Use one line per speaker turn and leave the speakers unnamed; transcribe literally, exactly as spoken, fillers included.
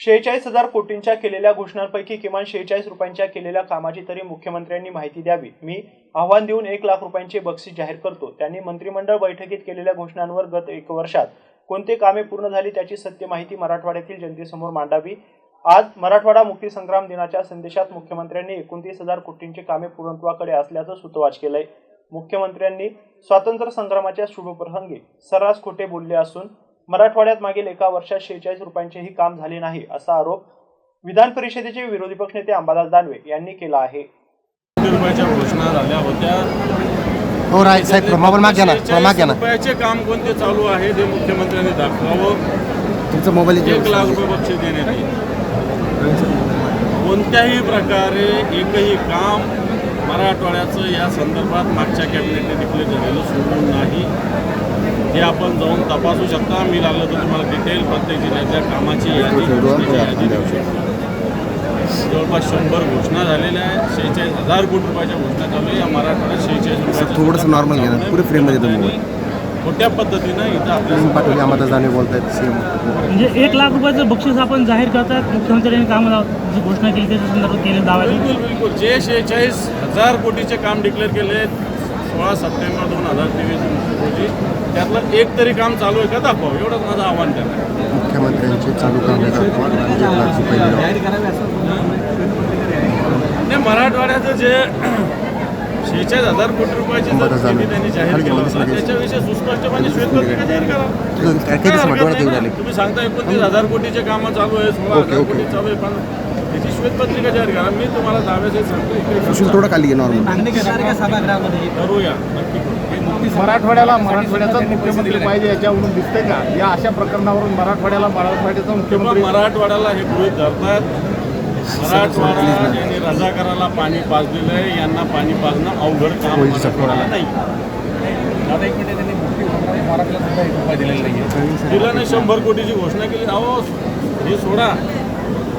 शेहेचाळीस हजार कोटींच्या केलेल्या घोषणांपैकी किमान शेहेचाळीस रुपयांच्या केलेल्या कामाची तरी मुख्यमंत्र्यांनी माहिती द्यावी. मी आव्हान देऊन एक लाख रुपयांचे बक्षीस जाहीर करतो. त्यांनी मंत्रिमंडळ बैठकीत केलेल्या घोषणांवर गत एक वर्षात कोणते कामे पूर्ण झाली त्याची सत्य माहिती मराठवाड्यातील जनतेसमोर मांडावी. आज मराठवाडा मुक्तीसंग्राम दिनाच्या संदेशात मुख्यमंत्र्यांनी एकोणतीस हजार कोटींची कामे पूर्णत्वाकडे असल्याचं सुतोवाच केलंय. मुख्यमंत्र्यांनी स्वातंत्र्य संग्रामाच्या शुभप्रसंगी सर्रास खोटे बोलले असून मराठवाड्यात मागील एका वर्षात शेहेचाळीस रुपयांचेही काम झाले नाही असा आरोप विधान परिषदेचे विरोधी पक्षनेते अंबादास दानवे यांनी केला आहे.
रुपयाच्या घोषणा झाल्या होत्या.
हो राय साहेब मोबाईल माग घ्या ना, माग घ्या ना.
रुपयाचे काम कोणते चालू आहे ते मुख्यमंत्र्यांनी दाखवावं.
तुमचा मोबाईल
एक लाख रुपये बक्षीस देण्यात येईल. कोणत्याही प्रकारे एकही काम मराठवाड्याचं या संदर्भात मागच्या कॅबिनेटने डिक्लेअर झालेलं सोडून नाही. हे आपण जाऊन तपासू शकता. मी लागलं तर तुम्हाला डिटेल प्रत्येक जिल्ह्याच्या कामाची यादी यादी देऊ शकतो. जवळपास शंभर घोषणा झालेल्या आहेत. शेहेचाळीस हजार कोटी रुपयाच्या घोषणा चालू आहे. या मराठवाड्यात शेहेचाळीस रुपयाचं
थोडंसं नॉर्मल घ्या ना, पुरे फ्रेममध्ये तुम्ही
खोट्या पद्धतीनं इथं आपल्या
पाठवली अंबादास दानवे बोलतायत. सीएम
म्हणजे एक लाख रुपयाचं बक्षीस आपण जाहीर करतात. मुख्यमंत्र्यांनी कामाला जी घोषणा केली त्याच्या संदर्भात केले दावा.
बिलकुल बिलकुल जे शेहेचाळीस हजार कोटीचे काम डिक्लेअर केले सोळा सप्टेंबर दोन हजार तेवीस रोजी त्यातलं एक तरी काम चालू आहे का दाखवावं, एवढंच माझं आव्हान त्यांना.
मुख्यमंत्र्यांचे चालू काम
नाही, मराठवाड्याचं जे शेहेचाळीस हजार कोटी रुपयाची जर निधी त्यांनी जाहीर केला होता त्याच्याविषयी सुस्पष्टपणे श्वेतपत्रिका जाहीर करा. तुम्ही सांगता एकोणतीस हजार कोटीचे कामं चालू आहे, सोळा हजार कोटी चालू आहे, पण त्याची श्वेतपत्रिका जाहीर करा. मी तुम्हाला दाव्याचे सांगतो
थोडं खाली नॉर्मल
करूया, नक्की करू.
मराठवाड्याला मराठवाड्याचा मुख्यमंत्री पाहिजे याच्यावरून दिसतंय का? या अशा प्रकरणावरून मराठवाड्याला मराठवाड्याचा मुख्यमंत्री
मराठवाड्याला हे गृहीत धरतात. मराठवाडा यांनी रजाकाराला पाणी पाजलेलं आहे, यांना पाणी पाजणं अवघड काम मराठवाड्याला नाही. दिलं नाही. शंभर कोटीची घोषणा केली. अहो हे सोडा,